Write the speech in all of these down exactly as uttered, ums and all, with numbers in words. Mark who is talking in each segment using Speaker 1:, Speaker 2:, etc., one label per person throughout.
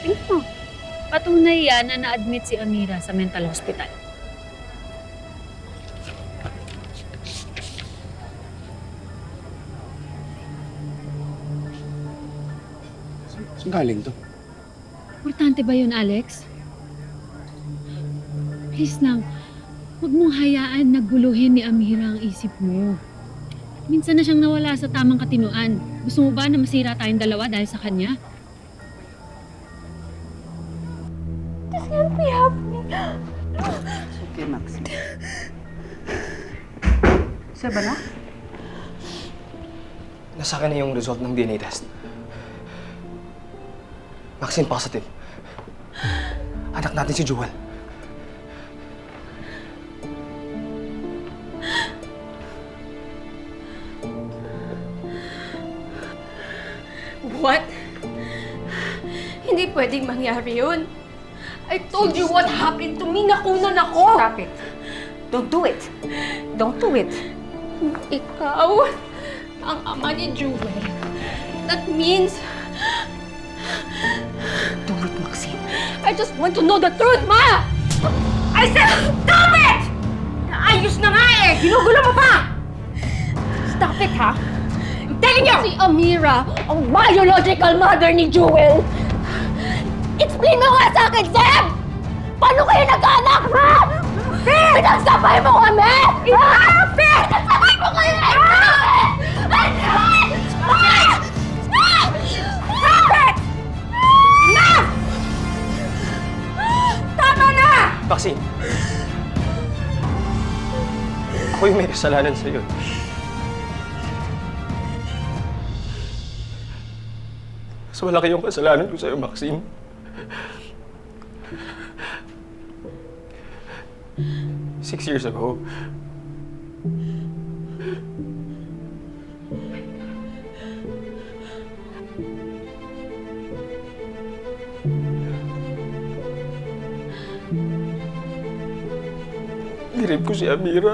Speaker 1: Tingnan mo. Patunay yan na na-admit si Amira sa mental hospital.
Speaker 2: Saan galing to?
Speaker 1: Importante ba yun, Alex? Please lang, huwag mong hayaan na guluhin ni Amira ang isip mo. Minsan na siyang nawala sa tamang katinuan. Gusto mo ba na masira tayong dalawa dahil sa kanya?
Speaker 3: This can't be happening.
Speaker 4: Okay, Maxine. Sir Bala?
Speaker 2: Nasa akin na yung result ng D N A test. Vaccine positive. Anak natin si Jewel.
Speaker 3: What? Hindi pwedeng mangyari yun. I told you what happened to me. Nakunan ako.
Speaker 4: Stop it. Don't do it. Don't do it.
Speaker 3: Ikaw, ang ama ni Jewel. That means
Speaker 4: Do it, Maxine.
Speaker 3: I just want to know the truth, Ma! I said, stop it! Ayos na nga eh! Ginugulo mo pa! Stop it, ha? I'm telling you! Si Amira, ang biological mother ni Jewel. Explain mo nga sa akin, Sam! Paano kayo nag-anak, ha? Pinagsabay mo kami! Ha? Pinagsabay mo kami! I know it! I know it! Stop it! Enough! Tama na!
Speaker 2: Vaccine. Ako yung may kasalanan sa'yo. Mas malaki yung kasalanan ko sa'yo, Maxine. Six years ago, nirip ko si Amira.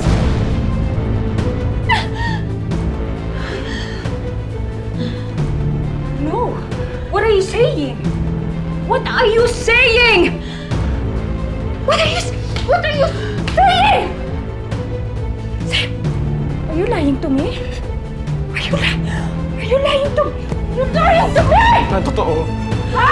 Speaker 3: No! What are you saying? What are you saying? What are you... What are you saying? Sam, are you lying to me? Are you lying? Are you lying to... You're lying to me!
Speaker 2: Na totoo.
Speaker 3: Ha?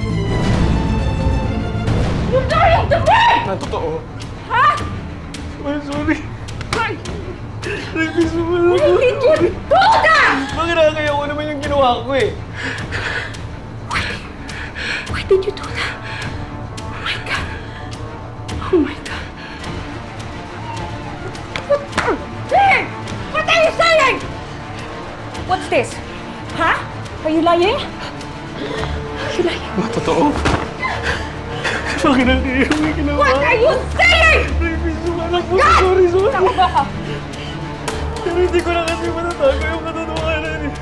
Speaker 3: You're lying to me!
Speaker 2: Na totoo.
Speaker 3: Ha?
Speaker 2: I'm sorry.
Speaker 3: Why?
Speaker 2: Nagpis mo pala.
Speaker 3: Why did you do that?
Speaker 2: Bakit nakakaya ko naman yung ginawa ko eh?
Speaker 3: Why did you do that? Oh my God. Oh my God. What are you saying? What are you saying? What's this? Huh? Are you lying? Are you lying?
Speaker 2: Na totoo. Bakit nakakaya ko yung ginawa?
Speaker 3: What are you saying?
Speaker 2: Nagpis mo pala po.
Speaker 3: God!
Speaker 2: Sorry, sorry.
Speaker 3: Tama ba ka?
Speaker 2: Pero hindi ko na kasi matatago yung katotohanan eh.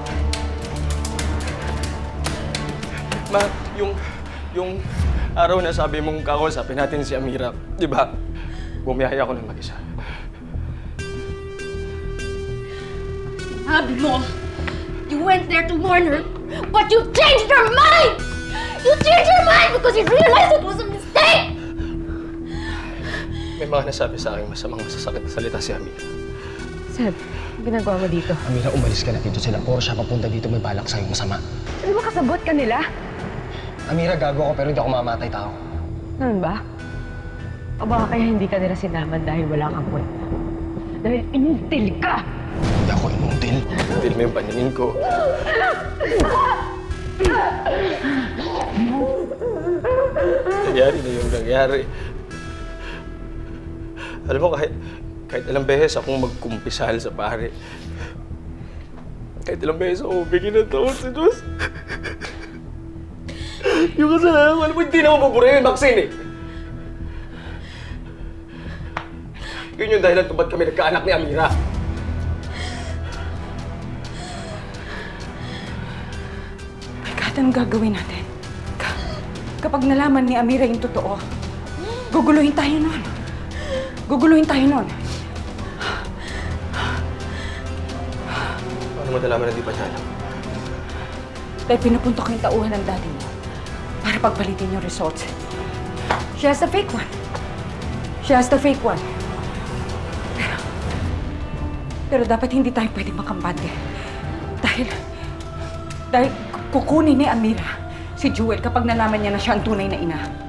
Speaker 2: Ma, yung... yung araw na sabi mong kakausapin natin si Amira, di ba? Bumiyaya ako ng mag-isa.
Speaker 3: Sabi mo, you went there to warn her, but you changed your mind! You changed your mind because you realized it was a mistake!
Speaker 2: May mga nasabi sa akin masamang masasakit na salita si Amira.
Speaker 4: Seb, ang ginagawa mo dito?
Speaker 5: Amira, umalis ka na dito. Sila puro siya papunta dito may balak sa'yo masama.
Speaker 4: Ano ba kasabot ka nila?
Speaker 5: Amira, gago ako pero hindi ako mamatay tao.
Speaker 4: Ganun ba? O baka kaya hindi ka nila sinaman dahil wala kang kwenta? Dahil inutil ka!
Speaker 5: Hindi ako inuntil.
Speaker 2: Hindi mo yung paningin ko. Nangyari na yung nangyari. Alam mo, kahit, kahit ilang beses akong magkumpisal sa pare, kahit ilang beses ako bigyan ng taon sa Diyos, yung kasalanan ko, alam mo, hindi naman pabura yung vaccine eh. Yun yung dahilan kung ba't kami nagkaanak ni Amira.
Speaker 6: My God, anong gagawin natin? Ka- kapag nalaman ni Amira yung totoo, guguluhin tayo nun. Guguluhin tayo nun.
Speaker 2: Paano mo nalaman na di pa niya alam?
Speaker 6: Dahil pinupunta ko yung tauhan ng daddy mo. para pagpalitin yung results. She has the fake one. She has the fake one. Pero, pero dapat hindi tayo pwede makampante. Dahil, dahil kukunin ni Amira si Jewel kapag nalaman niya na siya ang tunay na ina.